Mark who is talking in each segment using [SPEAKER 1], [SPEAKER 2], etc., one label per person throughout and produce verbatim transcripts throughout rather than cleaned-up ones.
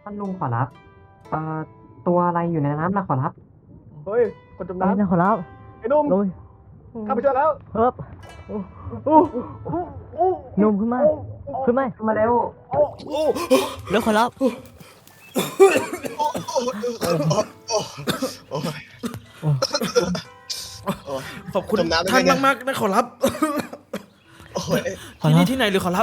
[SPEAKER 1] ท่านลุงขอรับเอ่อตัวอะไรอยู่ในน้ำนะขอรับ
[SPEAKER 2] เฮ้ย คนจม
[SPEAKER 3] อะไรนะ
[SPEAKER 2] น้ำ
[SPEAKER 3] ขอรับ
[SPEAKER 2] ไอ้หนุ่ม
[SPEAKER 3] ลุย
[SPEAKER 2] ข้าไปช่วยแล้ว
[SPEAKER 3] เฮิบโอ้โอ้หนุ่มขึ้นมา ขึ้นมา
[SPEAKER 1] ขึ้นมาเร็ว
[SPEAKER 3] เร็วขอรับ
[SPEAKER 4] ขอบคุณ
[SPEAKER 2] จมน้ำได้
[SPEAKER 4] ท่าน
[SPEAKER 2] ไง
[SPEAKER 4] มากๆนะขอรับ
[SPEAKER 2] โอ้ย
[SPEAKER 3] ขอ
[SPEAKER 4] ที่
[SPEAKER 3] รั
[SPEAKER 4] นี่
[SPEAKER 3] บ
[SPEAKER 4] ที่ไหนหรือขอรับ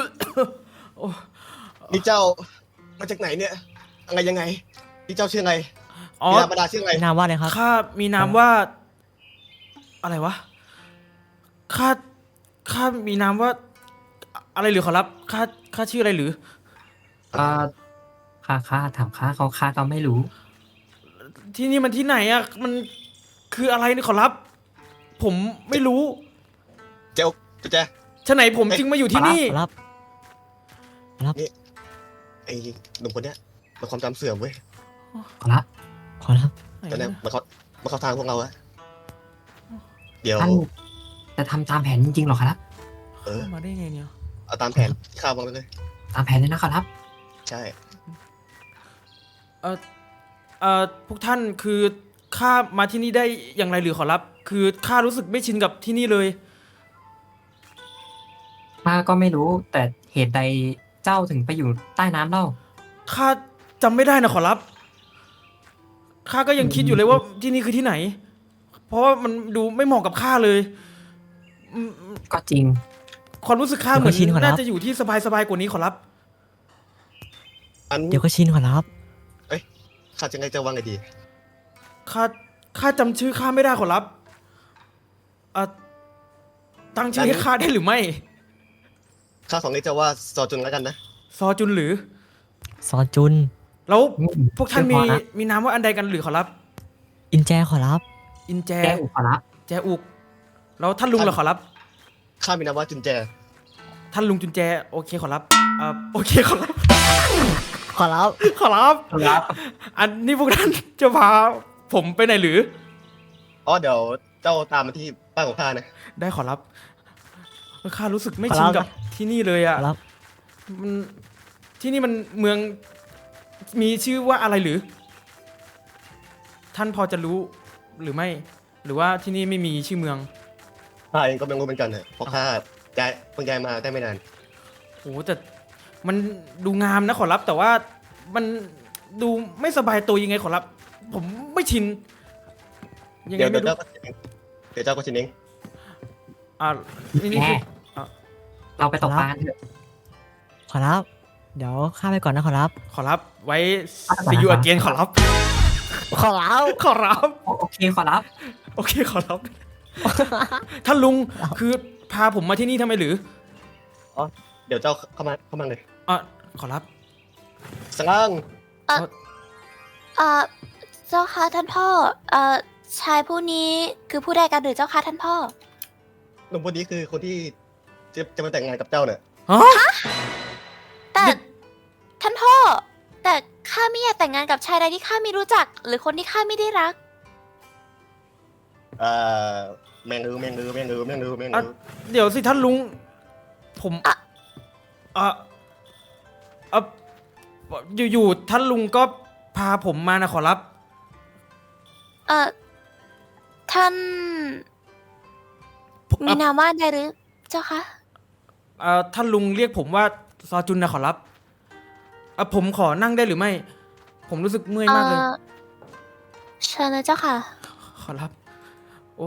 [SPEAKER 2] นี่เจ้ามาจากไหนเนี่ย อะไรยังไง นี่เจ้าชื่ออะไร
[SPEAKER 4] อ๋อ
[SPEAKER 2] บิดาบรรดาชื่ออะไร
[SPEAKER 3] นามว่าอะไรครับ
[SPEAKER 4] ข้ามีนามว่า อะไรวะข้าข้ามีนามว่า อะไรหรือขอรับข้าข้าชื่ออะไรหรือ
[SPEAKER 1] เอ่อข้าข้าถามข้าเขาข้าก็ไม่รู้
[SPEAKER 4] ที่นี่มันที่ไหนอ่ะมันคืออะไรนี่ขอรับ ผมไม่รู้
[SPEAKER 2] เจ้าเจ้าแจ
[SPEAKER 4] ฉะไหนผมจึงมาอยู่ที่นี่
[SPEAKER 3] ขอรับ
[SPEAKER 2] ไอ้หนุ่มคนเนี้ยมันความจำเสื่อมเว้ย
[SPEAKER 1] ขอรับ
[SPEAKER 3] ขอรับ
[SPEAKER 2] แต่เนี่ยมันเขามันเข้าทางพวกเราอะเดี๋ยว
[SPEAKER 1] ท่านจะทำตามแผนจริงๆเหรอครับ
[SPEAKER 2] เออ
[SPEAKER 4] มาได้ไงเนี่ย
[SPEAKER 2] เอาตามแผนที่ข้าวางไว้เลย
[SPEAKER 1] ตามแผนเลยนะขอรับ
[SPEAKER 2] ใช่
[SPEAKER 4] เออเออพวกท่านคือข้ามาที่นี่ได้อย่างไรหรือขอรับ คือข้ารู้สึกไม่ชินกับที่นี่เลย
[SPEAKER 1] ข้าก็ไม่รู้ แต่เหตุใดเจ้าถึงไปอยู่ใต้น้ำเล่า
[SPEAKER 4] ข้าจำไม่ได้นะขอรับ ข้าก็ยังคิดอยู่เลยว่าที่นี่คือที่ไหน เพราะว่ามันดูไม่เหมาะกับข้าเลยอืม
[SPEAKER 1] ก็จริง
[SPEAKER 4] ความรู้สึกข้าเหมือน
[SPEAKER 3] เดี๋ยวก็ชินขอรับ
[SPEAKER 4] น่าจะอยู่ที่สบายๆกว่านี้ขอรับ
[SPEAKER 2] อัน
[SPEAKER 3] เดี๋ยวก็ชินขอรับ
[SPEAKER 2] ข้าจะไงจะวางไงดี
[SPEAKER 4] ข้า ข้าจำชื่อข้าไม่ได้ขอรับเอ่อตั้งชื่อให้ข้าได้หรือไม่
[SPEAKER 2] ข้าของนี้จะว่าซอจุนแล้วกันนะ
[SPEAKER 4] ซอจุนหรือ
[SPEAKER 3] ซอจุน
[SPEAKER 4] แล้ว
[SPEAKER 1] อืม
[SPEAKER 4] พวกท่าน
[SPEAKER 1] ชื่
[SPEAKER 4] มี
[SPEAKER 1] อพอนะ
[SPEAKER 4] มีนามว่าอันใดกันหรือขอรับ
[SPEAKER 3] อินแจขอรับ
[SPEAKER 4] อินแจ
[SPEAKER 1] แก้วขอรับ
[SPEAKER 4] แจอุก แล้วท่านลุงเหรอขอรับ
[SPEAKER 2] ข้ามีนามว่าจุนแจ
[SPEAKER 4] ท่านลุงจุนแจ โอเคขอรับเอ่อโอเคขอรับ
[SPEAKER 3] ขอรับ
[SPEAKER 4] ขอรับ
[SPEAKER 1] ขอรับ
[SPEAKER 4] อันนี้พวกท่านจะพาผมไปไหนหรือ
[SPEAKER 2] อ๋อเดี๋ยวเจ้าตามมาที่บ้านของข้านะ
[SPEAKER 4] ได้ขอรับข้ารู้สึกไม่
[SPEAKER 3] ขอ
[SPEAKER 4] ชิ
[SPEAKER 3] รั
[SPEAKER 4] น
[SPEAKER 3] บ
[SPEAKER 4] กับที่นี่เลย
[SPEAKER 3] ข
[SPEAKER 4] อ่ะ
[SPEAKER 3] อรับ
[SPEAKER 4] มันที่นี่มันเมืองมีชื่อว่าอะไรหรือ ท่านพอจะรู้หรือไม่ หรือว่าที่นี่ไม่มีชื่อเมือง
[SPEAKER 2] ข้าเองก็ไม่รู้เหมือนกันเถอะเพราะข้าย้ายเพิ่งย้ายมาได้ไม่นาน
[SPEAKER 4] โอ้แต่มันดูงามนะขอรับ แต่ว่ามันดูไม่สบายตัวยังไงขอรับ ผมไม่ชินยังไง
[SPEAKER 2] เดี๋ยว
[SPEAKER 4] ไม่
[SPEAKER 2] เดี๋ยว
[SPEAKER 4] รู้
[SPEAKER 2] เจ้าก็ชินเองเดี๋ยวเจ้าก็ชินเอง
[SPEAKER 4] อ่านี่นี่
[SPEAKER 1] แก
[SPEAKER 4] คืออ่ะ
[SPEAKER 1] เราไปตกปลากันเถอะ
[SPEAKER 3] ขอรับ เดี๋ยวข้าไปก่อนนะขอรับ
[SPEAKER 4] ขอรับไว้
[SPEAKER 1] อ่ะ
[SPEAKER 4] see you again ขอรับ
[SPEAKER 3] ขอรับ
[SPEAKER 4] ขอรับ
[SPEAKER 1] โอเคขอรับ
[SPEAKER 4] โอเคขอรับ ท่านลุงคือพาผมมาที่นี่ทำไมหรือ
[SPEAKER 2] เดี๋ยวเจ้าเข้ามาเข้ามาเลย
[SPEAKER 4] อ่ะขอรับ
[SPEAKER 2] สร้าง
[SPEAKER 5] เอ่อเจ้าค่ะท่านพ่อ เอ่อชายผู้นี้คือผู้ใดกันหรือเจ้าค่ะท่านพ่อ
[SPEAKER 2] หนุ่มคนนี้คือคนที่จะจะมาแต่งงานกับเจ้าเนี่ย
[SPEAKER 4] ฮะ
[SPEAKER 5] แต่
[SPEAKER 4] นี่
[SPEAKER 5] ท่านพ่อ แต่ข้าไม่อยากแต่งงานกับชายใดที่ข้าไม่รู้จัก หรือคนที่ข้าไม่ได้รัก
[SPEAKER 2] เอ่อแมงอือแมงอือแมงอือแมงอือแมง
[SPEAKER 4] อ่ะ
[SPEAKER 2] อือ
[SPEAKER 4] เดี๋ยวสิท่านลุง ผม
[SPEAKER 5] อ่ะ
[SPEAKER 4] อ่ะอ่ะอยู่ๆท่านลุงก็พาผมมานะขอรับ
[SPEAKER 5] เอ่อท่าน
[SPEAKER 4] ผม
[SPEAKER 5] มี
[SPEAKER 4] อ่ะ
[SPEAKER 5] นามว่าใดหรือเจ้าคะ
[SPEAKER 4] เอ่อท่านลุงเรียกผมว่าซอจุนนะขอรับอ่ะผมขอนั่งได้หรือไม่ ผมรู้สึกเมื่อย
[SPEAKER 5] เอ่
[SPEAKER 4] มากเลย
[SPEAKER 5] อเชิญเลยเจ้าค่ะ
[SPEAKER 4] ขอรับ โอ้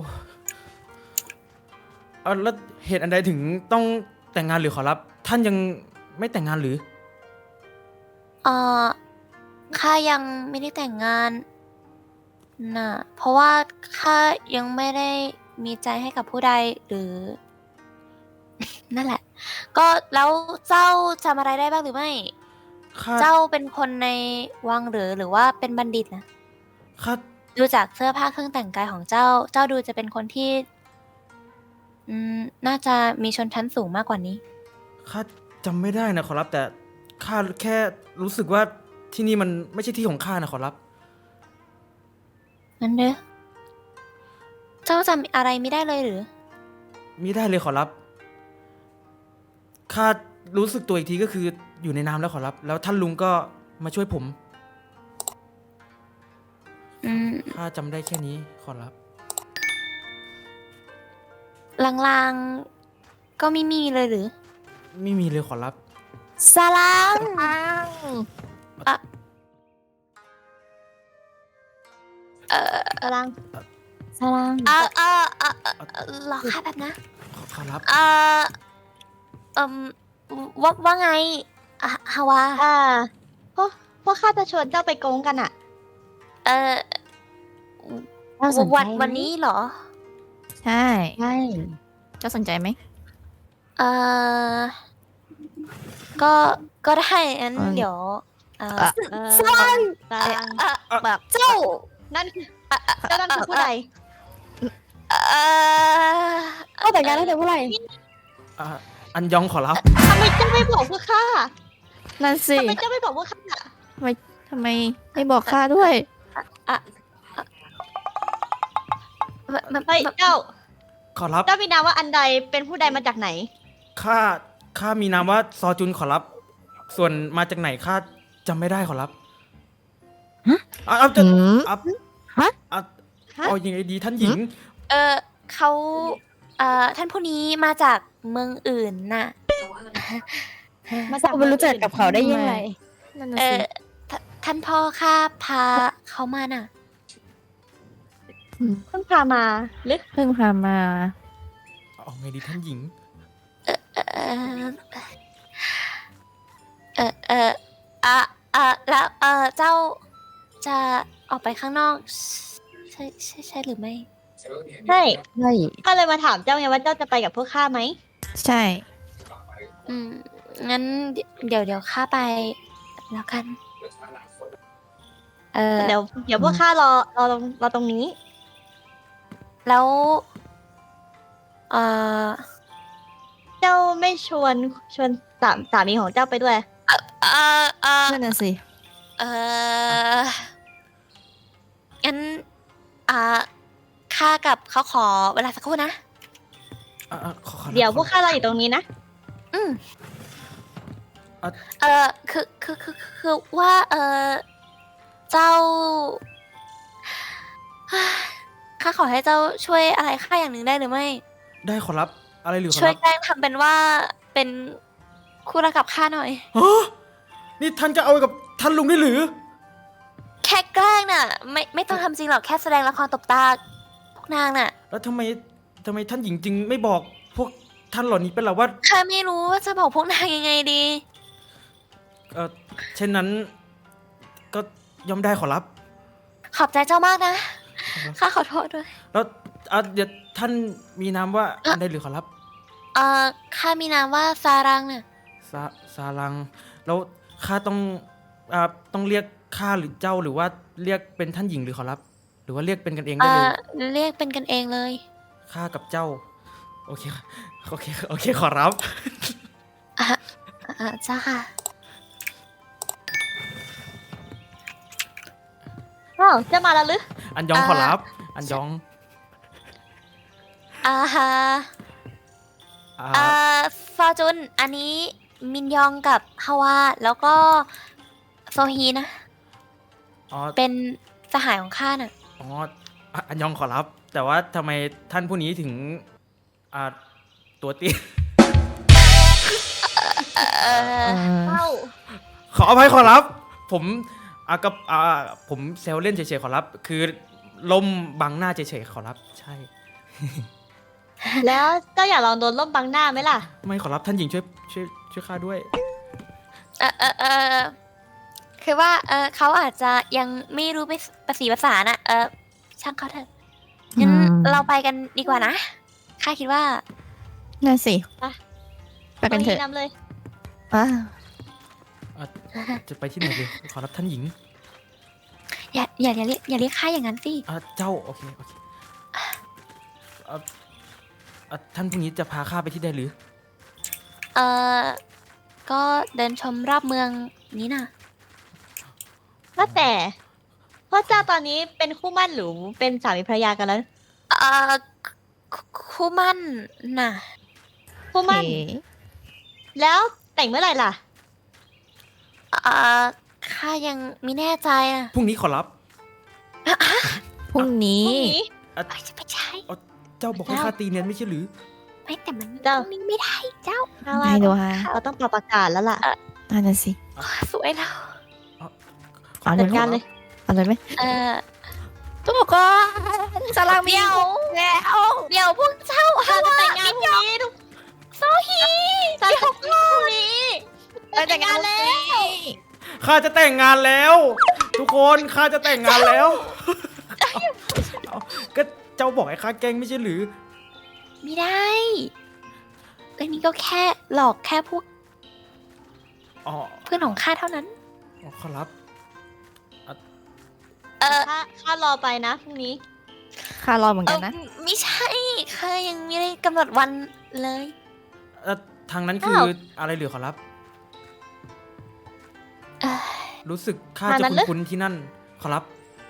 [SPEAKER 4] เอ่ะแล้วเหตุอันใดถึงต้องแต่งงานหรือขอรับ ท่านยังไม่แต่งงานหรือ
[SPEAKER 5] เอ่อข้ายังไม่ได้แต่งงานน่ะ เพราะว่าข้ายังไม่ได้มีใจให้กับผู้ใดหรือ นั่นแหละ ก็แล้วเจ้าจำอะไรได้บ้างหรือไม่
[SPEAKER 4] ข้า
[SPEAKER 5] เจ้าเป็นคนในวังหรือหรือว่าเป็นบัณฑิตนะ
[SPEAKER 4] ข้า
[SPEAKER 5] ดูจากเสื้อผ้าเครื่องแต่งกายของเจ้า เจ้าดูจะเป็นคนที่ อืม น่าจะมีชนชั้นสูงมากกว่านี้
[SPEAKER 4] ข้าจำไม่ได้นะขอรับ แต่ข้าแค่รู้สึกว่าที่นี่มันไม่ใช่ที่ของข้านะขอรับ
[SPEAKER 5] นั่นเด้อ เจ้าจำอะไรไม่ได้เลยหรือ
[SPEAKER 4] มิได้เลยขอรับ ข้ารู้สึกตัวอีกทีก็คืออยู่ในน้ำแล้วขอรับ แล้วท่านลุงก็มาช่วยผม
[SPEAKER 5] อืม
[SPEAKER 4] ข้าจำได้แค่นี้ขอรับ
[SPEAKER 5] ลางๆ ก็ไม่มีเลยหรือ
[SPEAKER 4] ไม่มีเลยขอรับ
[SPEAKER 5] สลังอะเออ
[SPEAKER 3] สลังสลัง
[SPEAKER 5] เออเออเออเออรอค่ะแบบนะ
[SPEAKER 4] ขอขอรับ
[SPEAKER 5] เออเอ่มว่าว่าไงอะฮาวา
[SPEAKER 3] อ่าพวกพวกข้าจะชวนเจ้าไปโกงกันอ่ะ
[SPEAKER 5] เออ
[SPEAKER 6] น่าสนใจ
[SPEAKER 5] วัน
[SPEAKER 6] ไหม
[SPEAKER 5] วันนี้เหรอ
[SPEAKER 6] ใช่
[SPEAKER 3] ใช่
[SPEAKER 6] เจ้าสนใจไหม
[SPEAKER 5] เออก็ก็ได้งั้น
[SPEAKER 6] อืม
[SPEAKER 5] เดี๋ยวเออ
[SPEAKER 6] อ่ะ
[SPEAKER 3] เออ
[SPEAKER 5] สลัง
[SPEAKER 3] สลัง
[SPEAKER 5] เอ่อ
[SPEAKER 6] แบบ
[SPEAKER 5] เจ้า
[SPEAKER 3] นั่นคือเจ้านั่นคือผู้ใด
[SPEAKER 5] เออ
[SPEAKER 3] เอาแต่งงานแล้วแต่ผู้ใด
[SPEAKER 4] อ่ะอันยองขอรับ
[SPEAKER 3] ทำไมเจ้าไม่บอกพวกข้า
[SPEAKER 6] นั่นสิ
[SPEAKER 3] ทำไมเจ้าไม่บอกพวกข้า
[SPEAKER 6] ทำไมทำไมไม่บอกข้าด้วย
[SPEAKER 5] แบบแบบ
[SPEAKER 3] เฮ้ยเจ้า
[SPEAKER 4] ขอรับ
[SPEAKER 3] เจ้ามีนามว่าอันใดเป็นผู้ใดมาจากไหน
[SPEAKER 4] ข้า ข้ามีนามว่าซอจุนขอรับ ส่วนมาจากไหนข้าจำไม่ได้ขอรับ
[SPEAKER 6] ฮะ
[SPEAKER 4] อ่ะเอาจะ
[SPEAKER 6] หืม
[SPEAKER 4] อ่ะ
[SPEAKER 6] ฮะ
[SPEAKER 4] อ่ะ
[SPEAKER 3] ฮะ
[SPEAKER 4] เอายังไงดีท่านหญิง
[SPEAKER 5] เออเขาเอ่อท่านผู้นี้มาจากเมืองอื่นน่ะ
[SPEAKER 3] มาจาก
[SPEAKER 6] ไม่รู้จักกับเขาได้ยังไง นั่นน่ะ
[SPEAKER 5] เอ
[SPEAKER 6] สิ
[SPEAKER 5] อทท่านพ่อข้าพาเขามาน่ะ
[SPEAKER 3] เพิ่งพามาหรือ
[SPEAKER 6] เพิ่งพามา
[SPEAKER 4] เอาไงดีท่านหญิง
[SPEAKER 5] เออเออเออเอออะอะแล้วเออเจ้าจะออกไปข้างนอก ใช่ใช่ใช่หรือไม่
[SPEAKER 3] ใช่
[SPEAKER 6] ใช่
[SPEAKER 3] ก็เลยมาถามเจ้าไงว่าเจ้าจะไปกับพวกข้าไหม
[SPEAKER 6] ใช่
[SPEAKER 5] อืมงั้นเดี๋ยวเดี๋ยวข้าไปแล้วกัน เออ
[SPEAKER 3] เดี๋ยวเดี๋ยวพวกข้ารอรอตรงรอตรงนี้
[SPEAKER 5] แล้วเออ
[SPEAKER 3] เจ้าไม่ชวนชวนสามสามีของเจ้าไปด้วย
[SPEAKER 5] เออเออ
[SPEAKER 6] นั่นน่ะสิ
[SPEAKER 5] เอองั้นอ่าข้ากับเขาขอเวลาสักครู่นะ
[SPEAKER 4] อ่ะอ่ะขอขอรับ
[SPEAKER 3] เดี๋ยวพวก
[SPEAKER 4] ขอ
[SPEAKER 3] ข้ารออยู่ตรงนี้นะ
[SPEAKER 5] อืม
[SPEAKER 4] อ่ะ
[SPEAKER 5] เออคือคือคือคือว่าเออเจ้า ข้าขอให้เจ้าช่วยอะไรข้าอย่างหนึ่งได้หรือไม่
[SPEAKER 4] ได้ขอรับ อะไรหรือขอ
[SPEAKER 5] ช่วย
[SPEAKER 4] รับ
[SPEAKER 5] แกล้งทำเป็นว่าเป็นคู่รักกับข้าหน่อย
[SPEAKER 4] ฮะนี่ท่านจะเอากับท่านลุงได้หรือ
[SPEAKER 5] แค่แกล้งน่ะ ไม่ไม่ต้องทำจริงหรอกแค่แสดงละครตบตาพวกนางน่ะ
[SPEAKER 4] แล้วทำไมทำไมท่านหญิงจึงไม่บอกพวกท่านเหล่านี้เป็นหรอว่า
[SPEAKER 5] ข้าไม่รู้ว่าจะบอกพวกนางยังไงดี
[SPEAKER 4] เออเช่นนั้น ก็ย่อมได้ขอรับ
[SPEAKER 5] ขอบใจเจ้ามากนะ ข้าขอโทษด้วย
[SPEAKER 4] แล้วอ่ะเดี๋ยวท่านมีนามว่าอันใดหรือขอรับ
[SPEAKER 5] เอ่อ ข้ามีนามว่าซารังน่ะ
[SPEAKER 4] ซาซาลัง แล้วข้าต้องอ่าต้องเรียกข้าหรือเจ้าหรือว่าเรียกเป็นท่านหญิงหรือขอรับ หรือว่าเรียกเป็นกันเองได้
[SPEAKER 5] เอ่
[SPEAKER 4] เลย
[SPEAKER 5] อ เรียกเป็นกันเองเลย
[SPEAKER 4] ข้ากับเจ้า โอเคโอเคโอเคขอรับ
[SPEAKER 5] อ่ะอ่ะจ้าค่ะ
[SPEAKER 3] อ้าวเจะมาแล้วหรือ
[SPEAKER 4] อันยอง
[SPEAKER 5] อ่า
[SPEAKER 4] ขอรับ อันยอง
[SPEAKER 5] อ่าฮะ
[SPEAKER 4] อ่า
[SPEAKER 5] เอ่อฟอร์จุน อันนี้มินยองกับฮาวา แล้วก็โซฮีนะ
[SPEAKER 4] อ๋อ
[SPEAKER 5] เป็นสหายของข้าน่ะ
[SPEAKER 4] อ๋ออ่ะอันยองขอรับ แต่ว่าทำไมท่านผู้นี้ถึงอ่าตัวเตี้ย
[SPEAKER 5] เอ่อ
[SPEAKER 6] เออ
[SPEAKER 3] เจ้า
[SPEAKER 4] ขออภัยขอรับ ผมอ่ะกับอ่าผมเซลเล่นเฉยๆขอรับ คือลมบังหน้าเฉยๆขอรับ ใช่
[SPEAKER 3] แล้วเจ้าอยากลองโดนล่มบังหน้าไหมล่ะ
[SPEAKER 4] ไม่ขอรับท่านหญิงช่วยช่วยช่วยข้าด้วย
[SPEAKER 5] เออเออเออคือว่า เออเขาอาจจะยังไม่รู้ภาษีภาษาน่ะ เออช่างเขาเถอะ งั้น
[SPEAKER 6] อืม
[SPEAKER 5] เราไปกันดีกว่านะ ข้าคิดว่า
[SPEAKER 6] นั่นสิ
[SPEAKER 3] ไป
[SPEAKER 6] ไปกันเถอะ
[SPEAKER 3] ตรงนำเลย
[SPEAKER 6] อ่ะ
[SPEAKER 4] อ่ะจะไปที่ไหนดีขอรับท่านหญิง
[SPEAKER 5] อย่าอย่าอย่าเรียกอย่าเรียกข้าอย่างนั้นสิ
[SPEAKER 4] อ่ะเจ้าโอเคโอเคอ่ะอ่ะท่านผู้นี้จะพาข้าไปที่ใดหรือ
[SPEAKER 5] เออก็เดินชมรอบเมืองนี้น่ะ
[SPEAKER 3] ว่าแต่พ่อเจ้าตอนนี้เป็นคู่หมั่นหรือเป็นสามีภรรยากันแล้ว
[SPEAKER 5] เออคุคู่มั่นน่ะ
[SPEAKER 3] คู่หมั่น
[SPEAKER 6] โอเค
[SPEAKER 3] แล้วแต่งเมื่อไหร่ล่ะ
[SPEAKER 5] เออขข้ายังไม่แน่ใจอะ
[SPEAKER 4] พรุ่งนี้ขอรับ
[SPEAKER 6] พรุ่งนี้
[SPEAKER 3] พรุ่งนี้
[SPEAKER 5] เอ้ยจะไปใช้
[SPEAKER 4] เจ้าบอกให้ข้าตีเนียนไม่ใช่หรือ
[SPEAKER 5] ไม่แต่มัน
[SPEAKER 3] เจ้า
[SPEAKER 5] นิ่งไม่ได้เจ้า
[SPEAKER 3] ถ้าว่า
[SPEAKER 6] ไม่ดูฮะ
[SPEAKER 3] เราต้องปรับอากาศแล้วล่ะ
[SPEAKER 6] นั่นน่ะสิ
[SPEAKER 5] สวยแล้ว
[SPEAKER 6] เอาเล
[SPEAKER 3] จั
[SPEAKER 6] ย
[SPEAKER 3] ด
[SPEAKER 6] ไหม
[SPEAKER 3] การเลย
[SPEAKER 6] เอาเลยไหม
[SPEAKER 5] เออ
[SPEAKER 6] ทุกคนสลังมี
[SPEAKER 5] เดี๋ยว
[SPEAKER 6] แล้ว
[SPEAKER 5] เดี๋ยวพวกเจ้า
[SPEAKER 3] ข้าจะแต่งงานพรุ่งนี้ทุก
[SPEAKER 5] โซฮี
[SPEAKER 3] ข้าจะแต่งงานพรุ่งนี้
[SPEAKER 6] ไปแต่งงานแล้ว
[SPEAKER 4] ข้าจะแต่งงานแล้ว ทุกคนข้าจะแต่งงานแล้วเอาก็เจ้าบอกให้ข้าแกล้งไม่ใช่หรือ
[SPEAKER 5] ไม่ได้อันนี้ก็แค่หลอกแค่พวก
[SPEAKER 4] อ๋อ
[SPEAKER 5] เพื่อนของข้าเท่านั้น
[SPEAKER 4] อ๋อขอรับ
[SPEAKER 5] เออ
[SPEAKER 3] ข้าข้ารอไปนะพรุ่งนี้
[SPEAKER 6] ข้ารอเหมือน
[SPEAKER 5] เอ
[SPEAKER 6] กั
[SPEAKER 5] อน
[SPEAKER 6] นะ
[SPEAKER 5] ไม่ใช่ข้ายังไม่ได้กำหนดวันเลย
[SPEAKER 4] เอ่อทางนั้นคือ
[SPEAKER 3] อ้าว
[SPEAKER 4] อะไรหรือขอรับ
[SPEAKER 5] เอ่อ
[SPEAKER 4] รู้สึกข้า
[SPEAKER 3] ทาง
[SPEAKER 4] จะ
[SPEAKER 3] นั้นเหรอ
[SPEAKER 4] คุ้นๆที่นั่น ขอรับ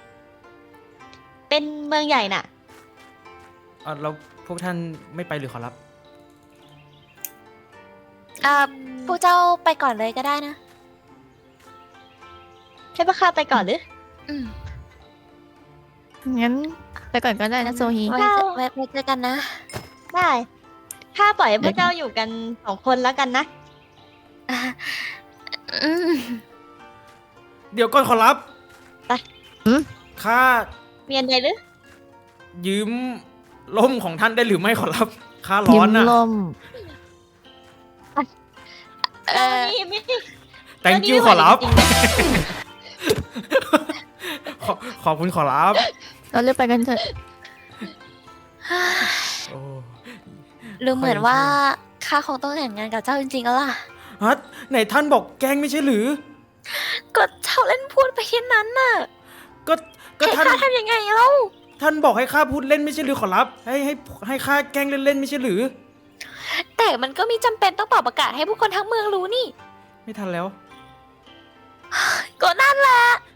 [SPEAKER 3] เป็นเมืองใหญ่น่ะ
[SPEAKER 4] เอ่อแล้วพวกท่านไม่ไปหรือขอรับ
[SPEAKER 5] เอ่อพวกเจ้าไปก่อนเลยก็ได้นะ
[SPEAKER 3] ให้พวกข้าไปก่อนหรือ
[SPEAKER 5] อืม
[SPEAKER 6] งั้นไปก่อนก็ได้นะโซฮี
[SPEAKER 5] ไว้เจอไว้ไว้เจอกันนะ
[SPEAKER 3] ได้ข้าปล่อยให้พวกเจ้าอยู่กันสองคนแล้วกันนะ
[SPEAKER 5] อ่ะอืม
[SPEAKER 4] เดี๋ยวก่อนขอรับ
[SPEAKER 3] ไป
[SPEAKER 4] ข้า
[SPEAKER 3] เมียนใดหรือ
[SPEAKER 4] ยืมล่มของท่านได้หรือไม่ขอรับ ข้าร้
[SPEAKER 6] ยื
[SPEAKER 4] อน
[SPEAKER 6] ม
[SPEAKER 4] นะ
[SPEAKER 6] ลม
[SPEAKER 5] เอ
[SPEAKER 3] เจ้า
[SPEAKER 5] อ
[SPEAKER 3] นี่ไม่
[SPEAKER 4] thank
[SPEAKER 3] เจ้า
[SPEAKER 4] you
[SPEAKER 3] นี่
[SPEAKER 4] ขอรับ
[SPEAKER 3] ไม่ไหวจริงๆนะ
[SPEAKER 4] ขอขอบคุณขอรับ
[SPEAKER 6] เราเลือกไปกันเถอะ
[SPEAKER 4] โอ้
[SPEAKER 5] รู้เหมือนว่าข้าคงต้องแต่งงานกับเจ้าจริงๆแล้วล่ะ
[SPEAKER 4] ฮัทไหนท่านบอกแกล้งไม่ใช่หรือ
[SPEAKER 5] ก็เจ้าเล่นพูดไปแค่นั้นน่ะ
[SPEAKER 4] ก็ก็
[SPEAKER 5] ให้
[SPEAKER 4] ท่าน
[SPEAKER 5] ข้าทำยังไงเล่า
[SPEAKER 4] ท่านบอกให้ข้าพูดเล่นไม่ใช่หรือขอรับ ให้ให้ให้ข้าแกล้งเล่นๆไม่ใช่หรือ
[SPEAKER 5] แต่มันก็มีจำเป็นต้องเป่าประกาศให้ผู้คนทั้งเมืองรู้นี่
[SPEAKER 4] ไม่ทันแล้ว
[SPEAKER 5] ก็นั่นแหละ